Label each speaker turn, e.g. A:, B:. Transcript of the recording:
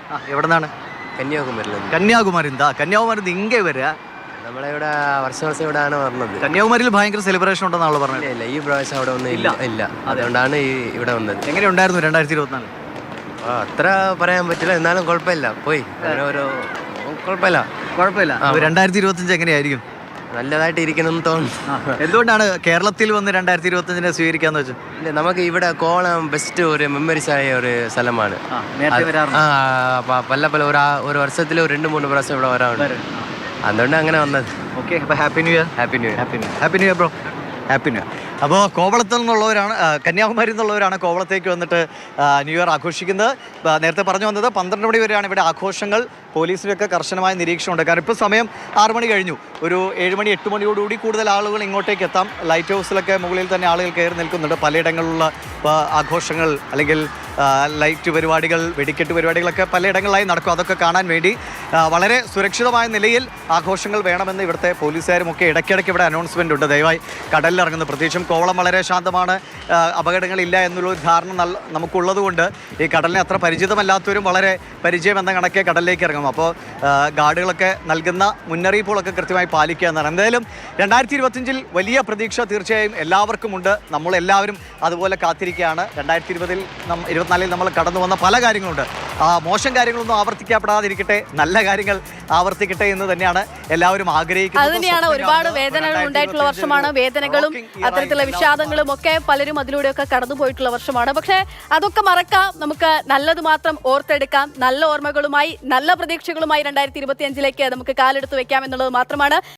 A: എവിടെ നിന്നാണ്?
B: കന്യാകുമാരി.
A: കന്യാകുമാരി. കന്യാകുമാരി ഇங்கே വരിക.
B: നമ്മളെ ഇവിടെ വർഷം ഇവിടെയാണ് പറഞ്ഞത്.
A: കന്യാകുമാരിയിൽ ഭയങ്കര സെലിബ്രേഷൻ ഉണ്ടെന്നാണല്ലോ പറഞ്ഞത്.
B: ഇല്ല, ഈ പ്രാവശ്യം അവിടെ ഒന്നും ഇല്ല. അതുകൊണ്ടാണ് ഇവിടെ വന്നത്.
A: എങ്ങനെയുണ്ടായിരുന്നു 2024?
B: അത്ര പറയാൻ പറ്റില്ല, എന്നാലും കുഴപ്പമില്ല. പോയി അങ്ങനെ ഒരു കുഴപ്പമില്ല.
A: 2025 എങ്ങനെയായിരിക്കും?
B: നല്ലതായിട്ട് ഇരിക്കണം തോന്നുന്നു.
A: എന്തുകൊണ്ടാണ് കേരളത്തിൽ വന്ന് 2025 സ്വീകരിക്കാന്ന് വെച്ചാൽ?
B: ഇല്ല, നമുക്ക് ഇവിടെ കോളം ബെസ്റ്റ് ഒരു മെമ്മറീസ് ആയ ഒരു സ്ഥലമാണ്. പല ഒരു വർഷത്തിൽ 2-3 പ്രാവശ്യം ഇവിടെ വരാറുണ്ട്. അതുകൊണ്ട് അങ്ങനെ വന്നത്.
A: ഓക്കെ, അപ്പോൾ happy new year.
B: Happy new year.
A: Happy new year bro. Happy new year. അപ്പോൾ കോവളത്തിൽ നിന്നുള്ളവരാണ്, കന്യാകുമാരി നിന്നുള്ളവരാണ് കോവളത്തേക്ക് വന്നിട്ട് ന്യൂ ഇയർ ആഘോഷിക്കുന്നത്. നേരത്തെ പറഞ്ഞു വന്നത് 12 മണി വരെയാണ് ഇവിടെ ആഘോഷങ്ങൾ. പോലീസിലൊക്കെ കർശനമായ നിരീക്ഷണമുണ്ട്. കാരണം ഇപ്പോൾ സമയം 6 മണി കഴിഞ്ഞു. ഒരു 7 മണി 8 മണിയോടുകൂടി കൂടുതൽ ആളുകൾ ഇങ്ങോട്ടേക്ക് എത്താം. ലൈറ്റ് ഹൗസിലൊക്കെ മുകളിൽ തന്നെ ആളുകൾ കയറി നിൽക്കുന്നുണ്ട്. പലയിടങ്ങളിലുള്ള ആഘോഷങ്ങൾ അല്ലെങ്കിൽ ലൈറ്റ് പരിപാടികൾ, വെടിക്കെട്ട് പരിപാടികളൊക്കെ പലയിടങ്ങളിലായി നടക്കും. അതൊക്കെ കാണാൻ വേണ്ടി വളരെ സുരക്ഷിതമായ നിലയിൽ ആഘോഷങ്ങൾ വേണമെന്ന് ഇവിടുത്തെ പോലീസുകാരും ഒക്കെ ഇടയ്ക്കിടയ്ക്ക് ഇവിടെ അനൗൺസ്മെൻ്റ് ഉണ്ട്. ദയവായി കടലിലിറങ്ങുന്നത്, പ്രത്യേകിച്ചും കോവളം വളരെ ശാന്തമാണ്, അപകടങ്ങളില്ല എന്നുള്ളൊരു ധാരണ നമുക്കുള്ളതുകൊണ്ട് ഈ കടലിനെ അത്ര പരിചിതമല്ലാത്തവരും വളരെ പരിചയം എന്ന കണക്കെ കടലിലേക്ക് ഇറങ്ങും. അപ്പോൾ ഗാർഡുകളൊക്കെ നൽകുന്ന മുന്നറിയിപ്പുകളൊക്കെ കൃത്യമായി പാലിക്കുക എന്നാണ്. എന്തായാലും 2025 വലിയ പ്രതീക്ഷ തീർച്ചയായും എല്ലാവർക്കുമുണ്ട്. നമ്മളെല്ലാവരും അതുപോലെ കാത്തിരിക്കുകയാണ്. 2024 നമ്മൾ കടന്നു വന്ന പല കാര്യങ്ങളുണ്ട്. മോശം കാര്യങ്ങളൊന്നും ആവർത്തിക്കപ്പെടാതിരിക്കട്ടെ, നല്ല കാര്യങ്ങൾ ആവർത്തിക്കട്ടെ എന്ന് തന്നെയാണ് എല്ലാവരും ആഗ്രഹിക്കുന്നത്.
C: അത് തന്നെയാണ്. ഒരുപാട് വേദനകൾ ഉണ്ടായിട്ടുള്ള വർഷമാണ്. വേദനകളും അത്തരത്തിലുള്ള വിഷാദങ്ങളും ഒക്കെ പലരും അതിലൂടെയൊക്കെ കടന്നുപോയിട്ടുള്ള വർഷമാണ്. പക്ഷേ അതൊക്കെ മറക്കാം, നമുക്ക് നല്ലത് മാത്രം ഓർത്തെടുക്കാം. നല്ല ഓർമ്മകളുമായി, നല്ല പ്രതീക്ഷകളുമായി 2025 നമുക്ക് കാലെടുത്ത് വെക്കാം എന്നുള്ളത് മാത്രമാണ്.